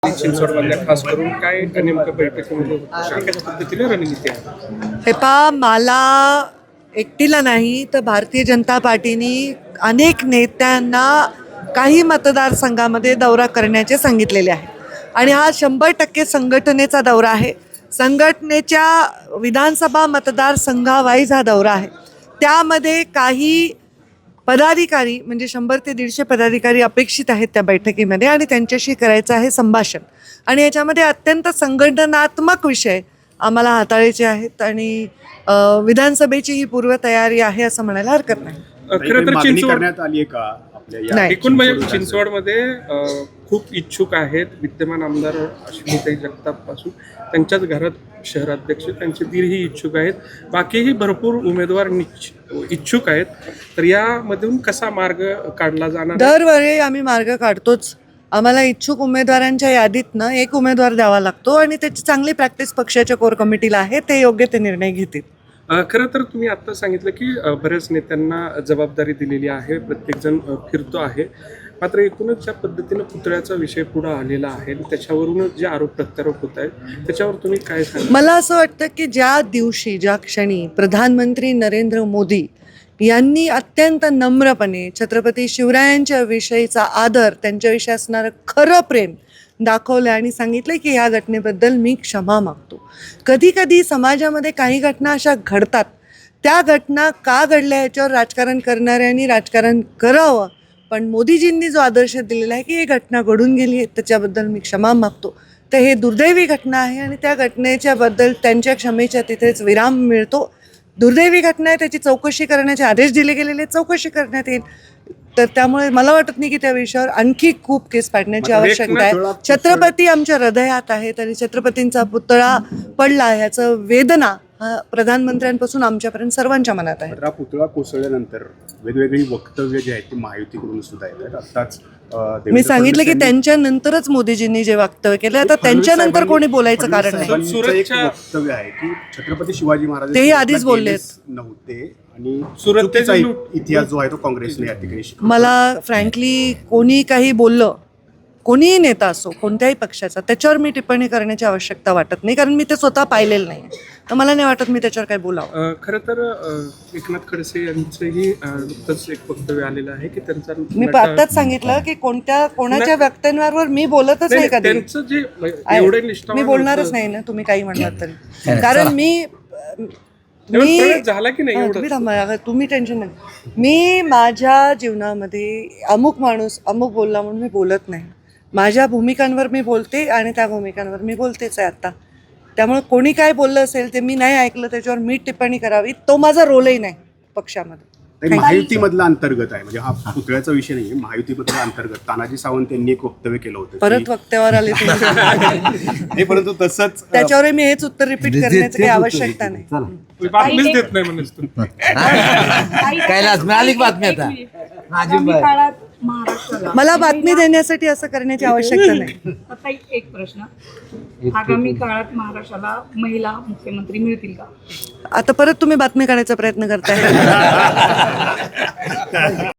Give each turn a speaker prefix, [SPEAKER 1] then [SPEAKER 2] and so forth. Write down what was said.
[SPEAKER 1] चिंचवडमधल्या खास करून काय नेमकं बैठकीमध्ये कशा पद्धतीने रणनीती आहे?
[SPEAKER 2] हे पहा, मला एकटीला नाही तर भारतीय जनता पार्टीने अनेक नेत्यांना काही मतदारसंघामध्ये दौरा करण्याचे सांगितलेले आहे आणि हा 100% संघटनेचा दौरा आहे. संघटनेच्या विधानसभा मतदारसंघावाईज हा दौरा आहे. त्यामध्ये काही पदाधिकारी म्हणजे 100 ते 150 पदाधिकारी अपेक्षित आहेत त्या बैठकीमध्ये आणि त्यांच्याशी करायचं आहे संभाषण. आणि याच्यामध्ये अत्यंत संघटनात्मक विषय आम्हाला हाताळायचे आहेत आणि विधानसभेची ही पूर्वतयारी आहे असं म्हणायला हरकत नाही.
[SPEAKER 1] खरं तर चिंचवड
[SPEAKER 3] करण्यात आली आहे का आपल्या
[SPEAKER 1] एकूण म्हणजे चिंचवडमध्ये खूप इच्छुक आहेत. विद्यमान आमदार अश्विनीताई जगताप पासून त्यांच्याच घरात शहराध्यक्ष त्यांचे दीरही इच्छुक आहेत. बाकीही भरपूर उमेदवार इच्छुक आहेत. तर यामधून कसा मार्ग काढला जाणार?
[SPEAKER 2] दरवेळी आम्ही मार्ग काढतोच. आम्हाला इच्छुक उमेदवारांच्या यादीतनं एक उमेदवार द्यावा लागतो आणि त्याची चांगली प्रॅक्टिस पक्षाच्या कोर कमिटीला आहे. ते योग्य ते निर्णय घेतील.
[SPEAKER 1] खरं तर तुम्ही आत्ता सांगितलं की बऱ्याच नेत्यांना जबाबदारी दिलेली आहे, प्रत्येकजण फिरतो आहे. मात्र एकूणच ज्या पद्धतीनं पुतळ्याचा विषय पुढे आलेला आहे त्याच्यावरूनच जे आरोप प्रत्यारोप होत आहेत त्याच्यावर तुम्ही काय सांगा?
[SPEAKER 2] मला असं वाटतं की ज्या दिवशी ज्या क्षणी प्रधानमंत्री नरेंद्र मोदी यांनी अत्यंत नम्रपणे छत्रपती शिवरायांच्या विषयीचा आदर, त्यांच्याविषयी असणारं खरं प्रेम दाखवलं आणि सांगितलं की ह्या घटनेबद्दल मी क्षमा मागतो. कधी कधी समाजामध्ये काही घटना अशा घडतात, त्या घटना का घडल्या याच्यावर राजकारण करणाऱ्यांनी राजकारण करावं. पण मोदीजींनी जो आदर्श दिलेला आहे की ही घटना घडून गेली आहे त्याच्याबद्दल मी क्षमा मागतो, तर हे दुर्दैवी घटना आहे आणि त्या घटनेच्याबद्दल त्यांच्या क्षमेच्या तिथेच विराम मिळतो. दुर्दैवी घटना आहे, त्याची चौकशी करण्याचे आदेश दिले गेलेले, चौकशी करण्यात येईल. तर त्यामुळे मला वाटत नाही की त्या विषयावर आणखी खूप केस पाडण्याची आवश्यकता आहे. छत्रपती आमच्या हृदयात आहेत आणि छत्रपतींचा पुतळा पडला याचं वेदना प्रधानमंत्र्यांपासून आमच्यापर्यंत सर्वांच्या मनात आहे.
[SPEAKER 3] पुतळा कोसळल्यानंतर वेगवेगळी वक्तव्य जी आहेत ती महायुतीकडून सुद्धा येतात. आत्ताच
[SPEAKER 2] मी सांगितलं की त्यांच्यानंतरच मोदीजींनी जे वक्तव्य केलं, आता त्यांच्यानंतर कोणी बोलायचं कारण नाही.
[SPEAKER 1] सुरतच्या
[SPEAKER 3] वक्तव्य आहे की छत्रपती शिवाजी महाराज
[SPEAKER 2] तेही आधीच बोललेत
[SPEAKER 3] नव्हते आणि
[SPEAKER 1] सुरतेचा
[SPEAKER 3] इतिहास जो आहे तो काँग्रेसने या ठिकाणी शिकवला.
[SPEAKER 2] मला फ्रँकली कोणी काही बोललं, कोणीही नेता असो कोणत्याही पक्षाचा, त्याच्यावर मी टिप्पणी करण्याची आवश्यकता वाटत नाही, कारण मी ते स्वतः पाहिलेलं नाही. तर मला नाही वाटत मी त्याच्यावर काही बोलावं.
[SPEAKER 1] खरं तर एकनाथ खडसे यांचंही नुकतंच एक वक्तव्य आलेलं आहे की त्यांचा
[SPEAKER 2] मी आत्ताच सांगितलं की कोणाच्या वक्तव्यांवर मी बोलतच नाही कधी.
[SPEAKER 1] त्यांचं जे एवढे निष्ठावान
[SPEAKER 2] मी बोलणारच नाही ना, तुम्ही काही म्हणलात तरी. कारण मी
[SPEAKER 1] झाला की नाही
[SPEAKER 2] तुम्ही थांबा, तुम्ही टेन्शन नाही. मी माझ्या जीवनामध्ये अमुक माणूस अमुक बोलला म्हणून मी बोलत नाही. माझ्या भूमिकांवर मी बोलते आणि त्या भूमिकांवर मी बोलतेच आहे आता. त्यामुळे कोणी काय बोललं असेल ते मी नाही ऐकलं, त्याच्यावर मी टिप्पणी करावी, तो माझा रोलही नाही पक्षामध्ये.
[SPEAKER 3] महायुतीमधला अंतर्गत आहे, म्हणजे हा पुतळ्याचा विषय नाही, महायुतीमधला अंतर्गत. तानाजी सावंत यांनी एक वक्तव्य केलं होतं.
[SPEAKER 2] परत वक्त्यावर आले तुम्ही.
[SPEAKER 3] परंतु तसंच
[SPEAKER 2] त्याच्यावर मी हेच उत्तर रिपीट करण्याची काही आवश्यकता नाही.
[SPEAKER 1] बातमीच देत नाही म्हणून
[SPEAKER 4] कैलास मिळाली बातमी आता.
[SPEAKER 2] मला बातमी देण्यासाठी असं करण्याची आवश्यकता नाही.
[SPEAKER 5] आता एक प्रश्न, आगामी काळात महाराष्ट्राला महिला मुख्यमंत्री मिळतील का?
[SPEAKER 2] आता परत तुम्ही बातमी काढायचा प्रयत्न करताय.